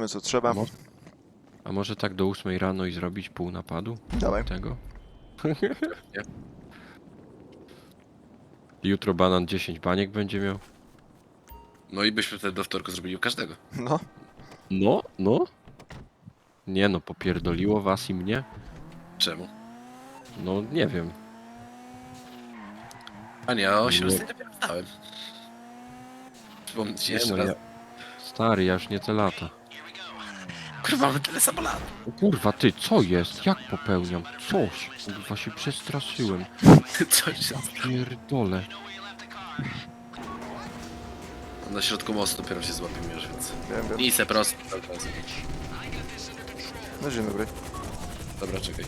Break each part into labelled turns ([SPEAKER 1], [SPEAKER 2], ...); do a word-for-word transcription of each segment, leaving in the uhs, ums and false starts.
[SPEAKER 1] co trzeba.
[SPEAKER 2] A może, a może tak do ósmej rano i zrobić pół napadu?
[SPEAKER 1] Dawaj.
[SPEAKER 2] Tego?
[SPEAKER 3] Nie.
[SPEAKER 2] Jutro banan dziesięć baniek będzie miał.
[SPEAKER 3] No i byśmy wtedy do wtorku zrobili u każdego.
[SPEAKER 1] No,
[SPEAKER 2] No, no. Nie no, popierdoliło was i mnie?
[SPEAKER 3] Czemu?
[SPEAKER 2] No nie wiem.
[SPEAKER 3] A nie, o
[SPEAKER 2] Nie.
[SPEAKER 3] osiemnastej dopiero wstałem. Przypomnę ci
[SPEAKER 2] Nie
[SPEAKER 3] jeszcze
[SPEAKER 2] no,
[SPEAKER 3] raz.
[SPEAKER 2] ja... Stary, ja już nie te lata.
[SPEAKER 3] Kurwa, mamy tyle samo lat.
[SPEAKER 2] O kurwa, ty, co jest? Jak popełniam? Coś. Kurwa, się przestraszyłem.
[SPEAKER 3] Coś się...
[SPEAKER 2] Pierdolę.
[SPEAKER 3] Na środku mostu dopiero się złapiemy już, więc...
[SPEAKER 1] wiem, wiem.
[SPEAKER 3] I se prosto. Dobra,
[SPEAKER 1] No dzień dobry.
[SPEAKER 3] Dobra, czekaj.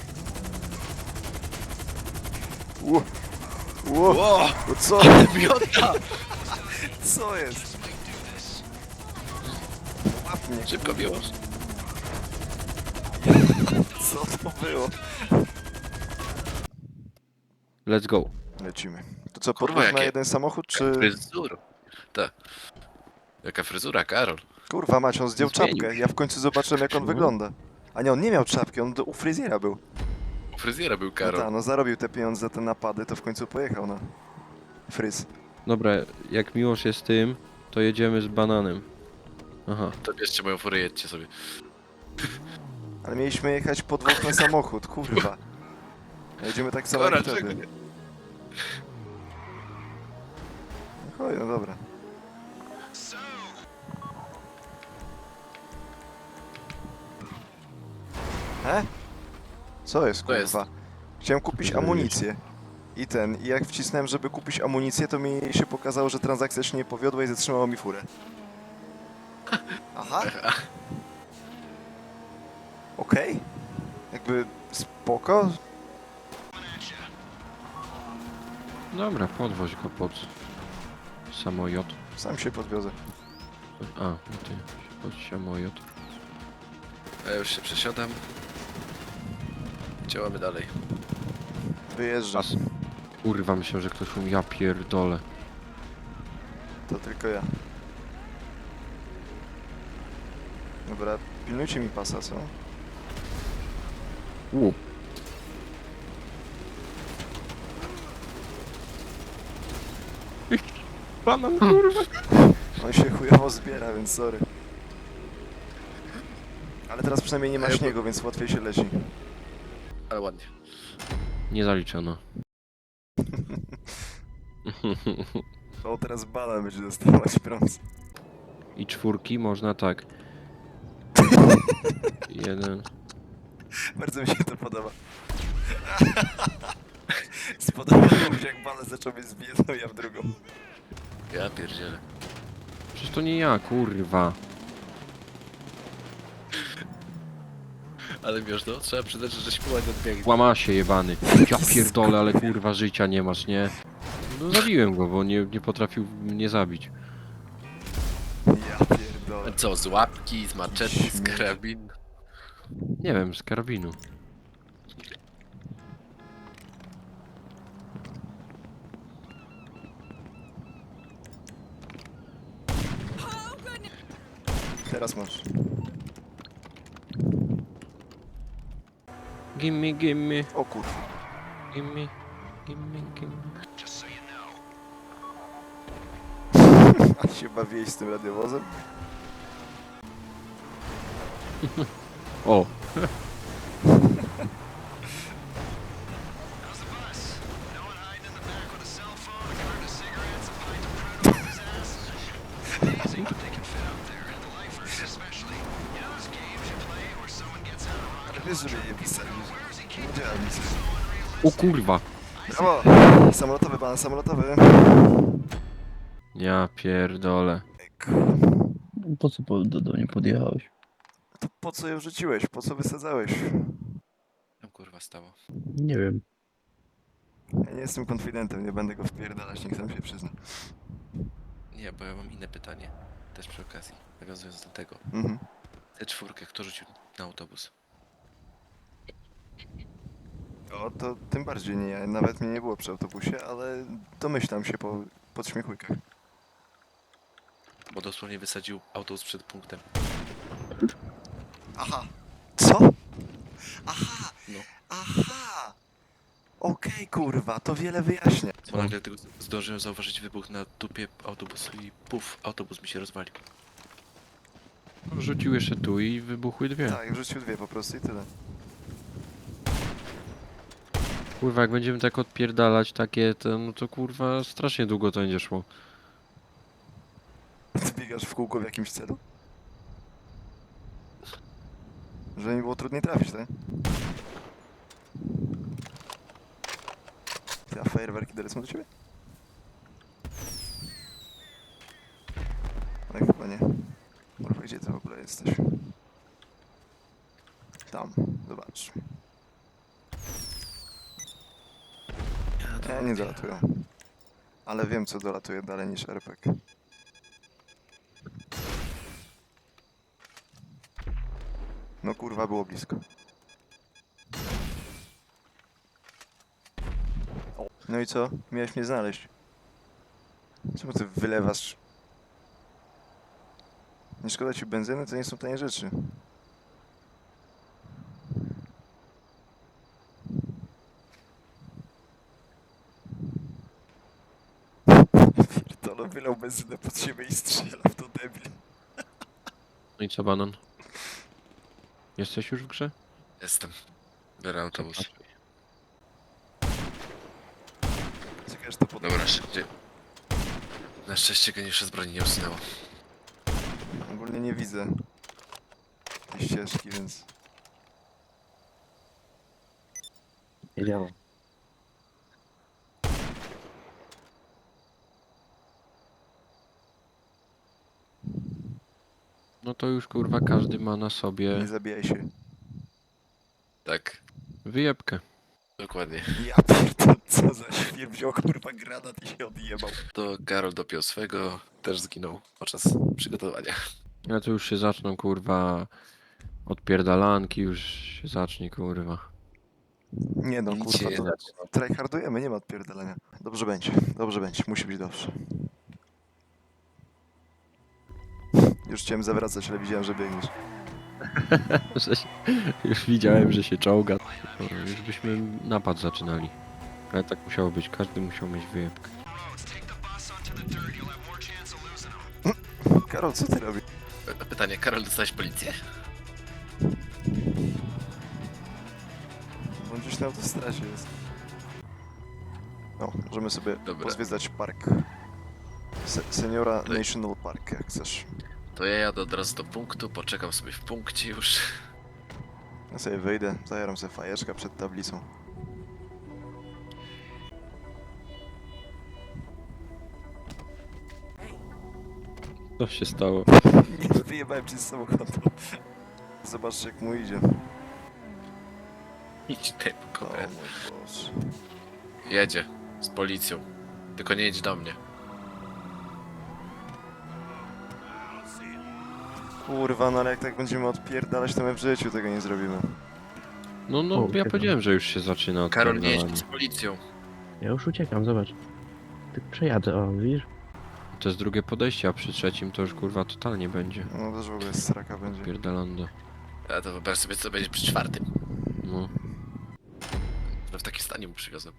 [SPEAKER 1] Ło! Ło!
[SPEAKER 3] Ło!
[SPEAKER 1] No co?
[SPEAKER 3] Miota!
[SPEAKER 1] Co jest? Łap mnie.
[SPEAKER 3] Szybko biłosz.
[SPEAKER 1] Co to było?
[SPEAKER 2] Let's go.
[SPEAKER 1] Lecimy. To co,
[SPEAKER 3] Kurwa,
[SPEAKER 1] podróż na
[SPEAKER 3] jakie-
[SPEAKER 1] jeden samochód, czy...
[SPEAKER 3] Fryzura. Tak. Jaka fryzura, Karol?
[SPEAKER 1] Kurwa mać, on zdjął
[SPEAKER 2] Zmienił
[SPEAKER 1] czapkę.
[SPEAKER 2] się.
[SPEAKER 1] Ja w końcu zobaczyłem, jak on
[SPEAKER 2] No.
[SPEAKER 1] wygląda. A nie, on nie miał czapki, on do, u fryzjera był.
[SPEAKER 3] U fryzjera był
[SPEAKER 1] No
[SPEAKER 3] Karol.
[SPEAKER 1] tak, no zarobił te pieniądze za te napady, to w końcu pojechał na fryz.
[SPEAKER 2] Dobra, jak Miłosz jest tym, to jedziemy z bananem. Aha.
[SPEAKER 3] To bierzcie moją furę, jedźcie sobie.
[SPEAKER 1] Ale mieliśmy jechać po dwóch na samochód, kurwa. Jedziemy tak samo
[SPEAKER 3] Kora,
[SPEAKER 1] jak
[SPEAKER 3] czego
[SPEAKER 1] wtedy.
[SPEAKER 3] nie?
[SPEAKER 1] No chodź, no dobra. He? Co jest,
[SPEAKER 3] Co jest?
[SPEAKER 1] kurwa? Chciałem kupić
[SPEAKER 2] Zrobiłeś.
[SPEAKER 1] amunicję. I ten, i jak wcisnąłem, żeby kupić amunicję, to mi się pokazało, że transakcja się nie powiodła i zatrzymało mi furę. Aha. Okej. Jakby spoko.
[SPEAKER 2] Dobra, podwoź go pod samolot.
[SPEAKER 1] Sam się podwiozę.
[SPEAKER 2] A, no ty, pod samolot.
[SPEAKER 3] Ja już się przesiadam. Działamy dalej.
[SPEAKER 1] Wyjeżdżam.
[SPEAKER 2] As. Kurwa, myślę, że ktoś umie. Ja pierdolę.
[SPEAKER 1] To tylko ja. Dobra, pilnujcie mi pasa, co?
[SPEAKER 2] U. Banan, kurwa.
[SPEAKER 1] On się chujowo zbiera, więc sorry. Ale teraz przynajmniej nie ma
[SPEAKER 3] Ej, bo-
[SPEAKER 1] śniegu, więc łatwiej się leci.
[SPEAKER 3] Ale ładnie.
[SPEAKER 2] Nie zaliczono.
[SPEAKER 1] O, teraz banan będzie dostawać prąd.
[SPEAKER 2] I czwórki można tak. Jeden.
[SPEAKER 1] Bardzo mi się to podoba. Spodobało mi się, jak banan zaczął mnie zbijać, no ja w drugą.
[SPEAKER 3] Ja pierdzielę.
[SPEAKER 2] Przecież to nie ja, kurwa.
[SPEAKER 3] Ale wiesz, no, trzeba przyznać, że żeś ładnie odbiegł.
[SPEAKER 2] Łama się jebany. Ja pierdolę, ale kurwa życia nie masz, nie? No zabiłem go, bo nie, nie potrafił mnie zabić.
[SPEAKER 1] Ja pierdolę.
[SPEAKER 3] Co, z łapki, z maczety, z karabin?
[SPEAKER 2] Nie wiem, z karabinu.
[SPEAKER 1] Teraz masz.
[SPEAKER 2] Gimme, gimme,
[SPEAKER 1] O kurwa.
[SPEAKER 2] gimme, gimme, gimme.
[SPEAKER 1] A się bawiłeś z tym radiowozem?
[SPEAKER 2] O!
[SPEAKER 1] Ale wiesz, że mnie nie pisali. Nie działam nic.
[SPEAKER 2] O kurwa!
[SPEAKER 1] Brawo! Samolotowy pan, samolotowy.
[SPEAKER 2] Ja pierdolę.
[SPEAKER 4] Po co po, do, do mnie podjechałeś?
[SPEAKER 1] To po co ją rzuciłeś? Po co wysadzałeś?
[SPEAKER 3] Tam kurwa stało.
[SPEAKER 4] Nie wiem.
[SPEAKER 1] Ja nie jestem konfidentem, nie będę go wpierdalać, niech sam się przyzna.
[SPEAKER 3] Nie, bo ja mam inne pytanie. Też przy okazji, nawiązując do tego.
[SPEAKER 1] Mhm.
[SPEAKER 3] Tę czwórkę kto rzucił na autobus?
[SPEAKER 1] O, to tym bardziej nie ja. Nawet mnie nie było przy autobusie, ale domyślam się po podśmiechujkach.
[SPEAKER 3] Bo dosłownie wysadził autobus przed punktem.
[SPEAKER 1] Aha. Co? Aha.
[SPEAKER 3] No.
[SPEAKER 1] Aha. Okej, kurwa, to wiele wyjaśnia.
[SPEAKER 3] Bo nagle tylko zdążyłem zauważyć wybuch na dupie autobusu i puf, autobus mi się rozwalił.
[SPEAKER 2] Rzucił jeszcze tu i wybuchły dwie.
[SPEAKER 1] Tak, wrzucił dwie po prostu i tyle.
[SPEAKER 2] Kurwa, jak będziemy tak odpierdalać takie, to, no to kurwa strasznie długo to będzie szło.
[SPEAKER 1] Ty biegasz w kółko w jakimś celu? Żeby mi było trudniej trafić, tak? Ty, a fajerwerki dolecą do ciebie? Ale chyba nie. Kurwa, gdzie ty w ogóle jesteś? Tam, zobacz. Nie, nie dolatują. Ale wiem, co dolatuje dalej niż R P G. No kurwa, było blisko. No i co? Miałeś mnie znaleźć. Czemu ty wylewasz? Nie szkoda ci benzyny? To nie są tanie rzeczy. Pierdolę, wylał benzynę pod siebie i strzela w to debil.
[SPEAKER 2] No i co, banan? Jesteś już w grze?
[SPEAKER 3] Jestem. Biorę autobus.
[SPEAKER 1] Czekaj, że to pod...
[SPEAKER 3] Dobra, szybciej. Na szczęście geniusze z broni nie usunęło.
[SPEAKER 1] Ogólnie nie widzę tej ścieżki, więc...
[SPEAKER 4] Nie działa.
[SPEAKER 2] No to już kurwa każdy ma na sobie
[SPEAKER 1] Nie zabijaj się.
[SPEAKER 3] Tak,
[SPEAKER 2] wyjebkę.
[SPEAKER 3] dokładnie.
[SPEAKER 1] Ja pierdolę, co za świr wziął kurwa granat i się odjebał.
[SPEAKER 3] To Karol dopiął swego, też zginął podczas przygotowania.
[SPEAKER 2] Ja to już się zaczną kurwa odpierdalanki, już się zacznie kurwa.
[SPEAKER 1] Nie no,
[SPEAKER 3] Nic
[SPEAKER 1] kurwa,
[SPEAKER 3] się nie
[SPEAKER 1] to
[SPEAKER 3] zacznie.
[SPEAKER 1] tryhardujemy, nie ma odpierdolenia. Dobrze będzie, dobrze będzie, musi być dobrze. Już chciałem zawracać, ale widziałem, że biegniesz.
[SPEAKER 2] Że się, już widziałem, że się czołga. No, już byśmy napad zaczynali. Ale tak musiało być, każdy musiał mieć wyjebkę.
[SPEAKER 1] Karol, co ty robisz?
[SPEAKER 3] P- Pytanie, Karol, dostałeś policję?
[SPEAKER 1] On gdzieś na autostradzie jest. No, możemy sobie
[SPEAKER 3] Dobra.
[SPEAKER 1] pozwiedzać park. Se Seniora
[SPEAKER 3] Tutaj.
[SPEAKER 1] National Park, jak chcesz.
[SPEAKER 3] To ja jadę od razu do punktu, poczekam sobie w punkcie już.
[SPEAKER 1] Ja sobie wyjdę, zajaram sobie fajeczka przed tablicą.
[SPEAKER 2] Co się stało?
[SPEAKER 1] Nie wyjebałem ci z samochodu. Zobaczcie, jak mu idzie.
[SPEAKER 3] Idź ty,
[SPEAKER 1] O
[SPEAKER 3] koperę.
[SPEAKER 1] mój Boże.
[SPEAKER 3] Jedzie z policją. Tylko nie jedź do mnie.
[SPEAKER 1] Kurwa, no ale jak tak będziemy odpierdalać, to my w życiu tego nie zrobimy.
[SPEAKER 2] No, no,
[SPEAKER 4] O,
[SPEAKER 2] ja
[SPEAKER 4] uciekam.
[SPEAKER 2] powiedziałem, że już się zaczyna
[SPEAKER 3] Karol, nie
[SPEAKER 2] odpierdalanie.
[SPEAKER 3] jedź z policją.
[SPEAKER 4] Ja już uciekam, zobacz. Tak przejadę, o, widzisz?
[SPEAKER 2] To jest drugie podejście, a przy trzecim to już kurwa totalnie będzie.
[SPEAKER 1] No też w ogóle straka będzie.
[SPEAKER 2] Pierdalando.
[SPEAKER 3] A to wyobraź sobie, co będzie przy czwartym.
[SPEAKER 2] No.
[SPEAKER 3] No w takim stanie mu przywiozłem.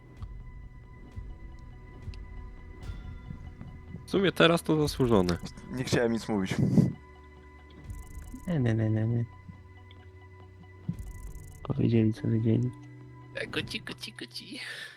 [SPEAKER 2] W sumie teraz to zasłużone.
[SPEAKER 1] Nie chciałem nic mówić.
[SPEAKER 4] Nie, nie, nie, nie, nie. Powiedzieli, co wiedzieli.
[SPEAKER 3] Goci, goci, goci.